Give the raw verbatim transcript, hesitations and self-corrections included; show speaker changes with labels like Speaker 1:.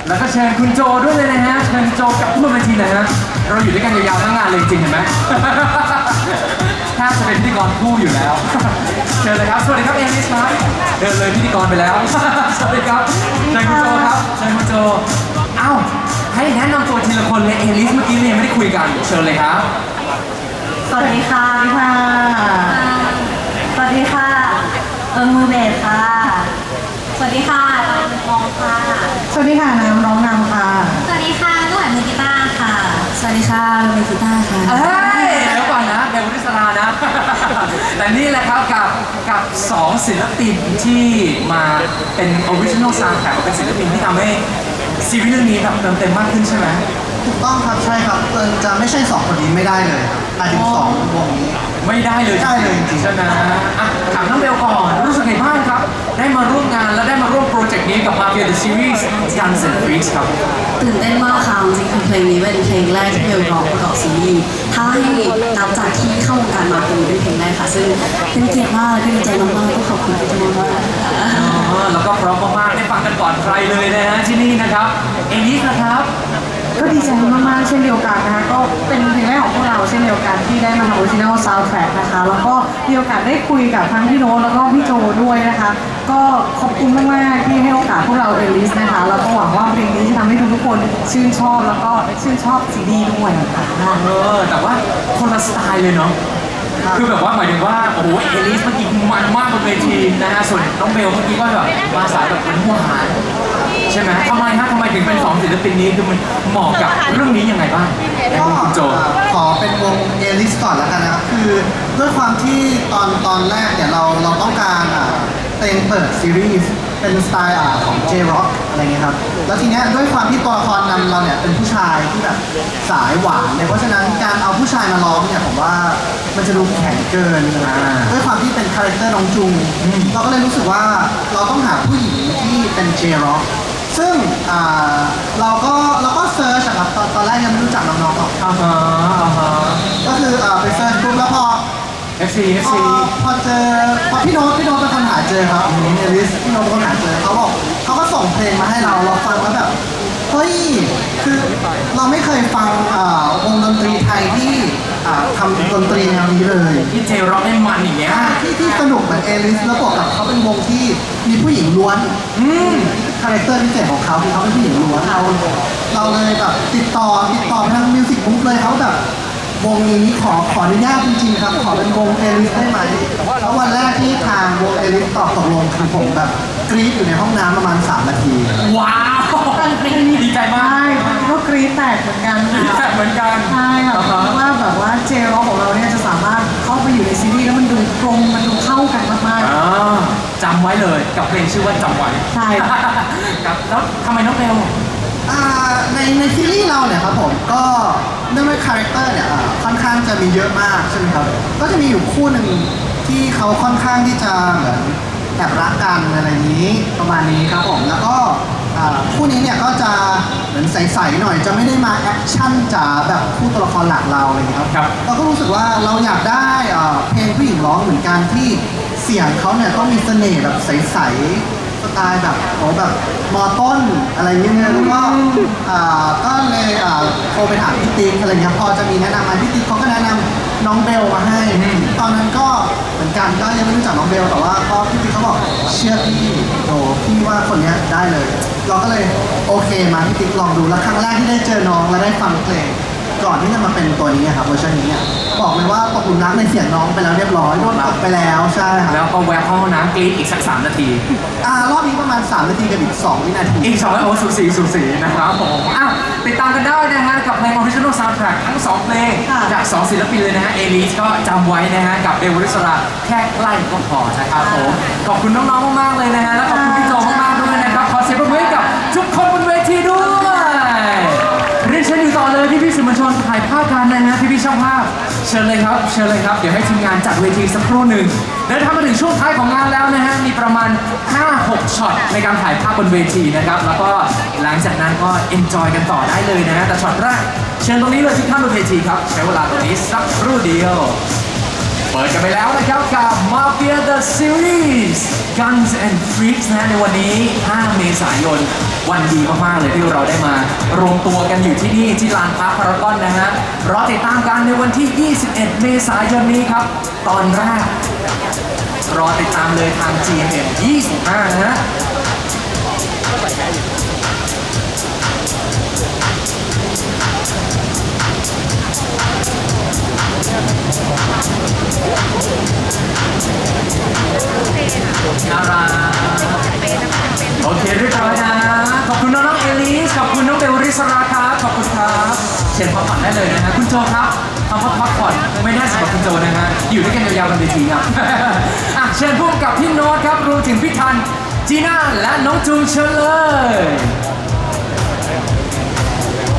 Speaker 1: แล้วก็เชิญคุณโจด้วยเลยนะฮะเชิญโจกลับขึ้นมาเวทีเลยฮะเราอยู่ด้วยกันยาวๆทั้งงานเลยจริงเห็นไหมถ้าจะเป็นพิธีกรคู่อยู่แล้วเชิญเลยครับสวัสดีครับเอลิสครับเดินเลยพิธีกรไปแล้วสวัสดีครับเชิญคุณโจครับเชิญคุณโจเอ้าให้แนะนำตัวทีละคนเลยเอลิสเมื่อกี้เนี่ยไม่ได้คุยกันเชิญเลยครับ
Speaker 2: สวัสดีค่ะพี่พาสวัสดีค่ะเอิงมือเบสค่ะสวัสดีค่ะตอนมือกลองค่ะสวัสดีค่ะน้ำร้องนำค่ะสวัสดีค่ะก็หวานมือกีตาร์ค่ะสวัสดีค่ะเราเป็นกีตาร์ค่ะ
Speaker 1: เอ้ยเดี๋ยวก่อนนะเบลวริศรานะ แต่นี่แหละครับกับกับสองศิลปินที่มาเป็นออริจินอลซาวด์แทร็กเป็นศิลปินที่ทำให้ซีรีส์เรื่องนี้แบบเติมเต็มมากขึ้นใช่ไหม
Speaker 3: ถูกต้องครับใช่ครับเอิญจะไม่ใช่สองคนนี้ไม่ได้เลยหมายถึงสองวงนี้
Speaker 1: ไม่ได้เลย
Speaker 3: ได้เลยจริงๆ
Speaker 1: ใช่ไหมอ่ะถามน้องเบลก่อนรู้สึกไงบ้างครับได้มาร่วมงานและได้มาร่วมโปรเจกต์นี้กับ Mafia The Series Guns and Freaks ครับ
Speaker 2: ตื่นเต้นมากค่ะจริงๆคือเพลงนี้เป็นเพลงแรกที่เบลร้องประกอบซีรีส์ถ้าให้นับจากที่เข้าวงการมาเป็นเพลงแรกค่ะซึ่งเป็นเกียรติมากและก็ดีใจมากๆก็ขอบคุณทุกคนมาก
Speaker 1: แล้วก็พร้อมมากๆได้ฟังกันก่อนใครเลยนะฮะที่นี่นะครับเอลิสนะครับ
Speaker 4: ก็ดีใจมากๆเช่นเดียวกันนะคะก็เป็นเพลงแรกของพวกเราเช่นเดียวกันที่ได้มาทำออริจินัลซาวด์แทร็กนะคะแล้วก็มีโอกาสได้คุยกับทั้งพี่โน้ตแล้วก็พี่โจด้วยนะคะก็ขอบคุณมากๆที่ให้โอกาสพวกเราเอลิสนะคะแล้วก็หวังว่าเพลงนี้จะทำให้ทุกๆคนชื่นชอบแล้วก็ชื่นชอบซีดีด้วยค่ะ
Speaker 1: เออแต่ว่าคนละสไตล์เลยเนาะคือแบบว่าหมายถึงว่าโอ้โหเอลิสเมื่อกี้มันมากบนเวทีนะฮะส่วนน้องเบลเมื่อกี้ก็แบบมาสายแบบเป็นหวานใช่ไหมทำไมฮะทำไมถึงเป็นสองศิลปินนี้คือมันเหมาะกับเรื่องนี้ยังไงบ้าง
Speaker 3: ก็
Speaker 1: โจ
Speaker 3: ขอเป็นวงเอลิสก่อนแล้วกันนะครับคือด้วยความที่ตอนตอนแรกเนี่ยเราเราต้องการอ่ะเพลงเปิดซีรีส์เป็นสไตล์อ่ะของ J-Rock อะไรเงี้ยครับแล้วทีเนี้ยด้วยความที่ตัวละครนำเราเนี่ยเป็นผู้ชายที่แบบสายหวานเนี่ยเพราะฉะนั้นการเอาผู้ชายมาร้องเนี่ยผมว่ามันจะดูแข็งเกินด้วยความที่เป็นคาแรคเตอร์น้องจุงเราก็เลยรู้สึกว่าเราต้องหาผู้หญิงที่เป็น J-Rock ซึ่งเราก็เราก็เซิร์ชครับตอนตอนแรกยังไม่รู้จักน้องๆหรอก
Speaker 1: อ่าฮะอ่าฮะ
Speaker 3: ก็คือไปเซิร์ชปุ๊บแล้วพอ
Speaker 1: เอฟ ซี เอฟ ซี
Speaker 3: พอเจอพอพี่โน้ตพี่โน้ตเป็นคนหาเจอครับเอลิสพี่โน้ตเป็นคนหาเจอเขาบอกเขาก็ส่งเพลงมาให้เราเราฟังแล้วแบบเฮ้ยคือเราไม่เคยฟังวงดนตรีไทยที่ทำดนตรีแนวนี้เลย
Speaker 1: ที่เจร็อกได้มันอย่างเงี้ย
Speaker 3: ที่ที่สนุกเหมือนเอลิสแล้วบวกกับเขาเป็นวงที่มีผู้หญิงล้วนคาแรคเตอร์พิเศษของเขาคือเขาเป็นผู้หญิงล้วนเราเราเลยแบบติดต่อติดต่อทางมิวสิกบุ๊กเลยเขาแบบวงนี้ขอขออนุญาตจริงๆครับขอเป็นวงเอลิสได้ไหมแล้ววันแรกที่ทางวงเอลิสตอบตกลงคือผมแบบกรี๊ดอยู่ในห้องน้ำประมาณสามนาที
Speaker 1: ว้าวดีใจมาก
Speaker 4: ใช่ก็กรี๊ดแตกเหมือนกันค่ะ
Speaker 1: แตกเหมือนกัน
Speaker 4: ใช่ค่ะเพราะว่าแบบว่าเจร็อกของเราเนี่ยจะสามารถเข้าไปอยู่ในซีรีส์แล้วมันดูตรงมันดูเข้ากันมาก
Speaker 1: ๆจำไว้เลยกับเพลงชื่อว่าจำไว้
Speaker 4: ใช่
Speaker 1: ครับแล้วทำไมน้องเบล
Speaker 3: ในในซีรีส์เราเนี่ยครับผมก็เนื่องด้วยคาแรคเตอร์เนี่ยค่อนข้างจะมีเยอะมากใช่ไหมครับก็จะมีอยู่คู่หนึ่งที่เขาค่อนข้างที่จะเหมือนแอบรักกันอะไรนี้ประมาณนี้ครับผมแล้วก็คู่นี้เนี่ยก็จะเหมือนใสๆหน่อยจะไม่ได้มาแอคชั่นจ๋าแบบคู่ตัวละครหลักเราอะไรอย่างเงี้ยครับเราก็รู้สึกว่าเราอยากได้เพลงผู้หญิงร้องเหมือนกันที่เสียงเขาเนี่ยต้องมีเสน่ห์แบบใสๆสไตล์แบบโอ้แบบมอต้นอะไรเงี้ยแล้วก็ก็เลยโทรไปถามพี่ติ๊กอะไรเงี้ยพอจะมีแนะนำไหมพี่ติ๊กเขาก็แนะนำน้องเบลมาให้ตอนนั้นก็เหมือนกันก็ยังไม่รู้จักน้องเบลแต่ว่าพอพี่ติ๊กเขาบอกเชื่อพี่โอ้พี่ว่าคนนี้ได้เลยเราก็เลยโอเคมาพี่ติ๊กลองดูแล้วครั้งแรกที่ได้เจอน้องและได้ฟังเพลงก่อนที่จะมาเป็นตัวนี้ครับเวอร์ชันนี้เนี่ยบอกเลยว่าตกหลุมรักในเสียงน้องไปแล้วเรียบร้อยโดนตกไปแล้วใช่ครับ
Speaker 1: แล้วก็แวะเข้าห้องน้ำกรี๊ดอีกสักสามนาที
Speaker 3: อ่ารอบนี้ประมาณสามนาทีกับอีกสองวินาที
Speaker 1: อีกสองโอ้สูสีสูสีนะครับผมอ้าวติดตามกันได้นะฮะกับเพลง Original Soundtrack ทั้งสองเพลงจากสองศิลปินเลยนะฮะเอลิสก็จำไว้นะฮะกับเบลวริศราแค่ใกล้ก็พอนะครับผมขอบคุณน้องๆมากๆเลยนะฮะและขอบคุณพี่โจมากๆด้วยนะครับขอเสียงปรบมือให้กับทุกคนบนเวทีด้วยเรียนเชิญอยู่ต่อเลยพี่ๆสื่อมวลชนถ่ายภาพกันนะฮะพี่ๆช่างภาพเชิญเลยครับเชิญเลยครับเดี๋ยวให้ทีมงานจัดเวทีสักครู่หนึ่งเดินทางมาถึงช่วงท้ายของงานแล้วนะฮะมีประมาณ ห้าหก ช็อตในการถ่ายภาพบนเวทีนะครับแล้วก็หลังจากนั้นก็เอนจอยกันต่อได้เลยนะฮะแต่ช็อตแรกเชิญตรงนี้เลยที่ข้างบนเวทีครับใช้เวลาตรงนี้สักครู่เดียวเปิดกันไปแล้วนะครับกับ Mafia The Series Guns and Freaks นะในวันนี้ ห้า เมษายน วันดีมากๆเลยที่เราได้มารวมตัวกันอยู่ที่นี่ที่ลานพาร์คพารากอนนะฮะรอติดตามกันในวันที่ ยี่สิบเอ็ด เมษายนนี้ครับ ตอนแรก รอติดตามเลยทาง จี เอ็ม เอ็ม ยี่สิบห้า นะฮะน่ารักโอเคเรียบร้อยนะขอบคุณน้องๆเอลิสขอบคุณน้องเบลริสราครับขอบคุณครับเชิญพักผ่อนได้เลยนะฮะคุณโจครับคำว่าพักผ่อนไม่แน่สำหรับคุณโจนะฮะอยู่ด้วยกันยาวๆบนเวทีครับ อ่ะเชิญพวกกับพี่โน้ตครับรวมถึงพี่ทันจีน่าและน้องจูนเชิญเลย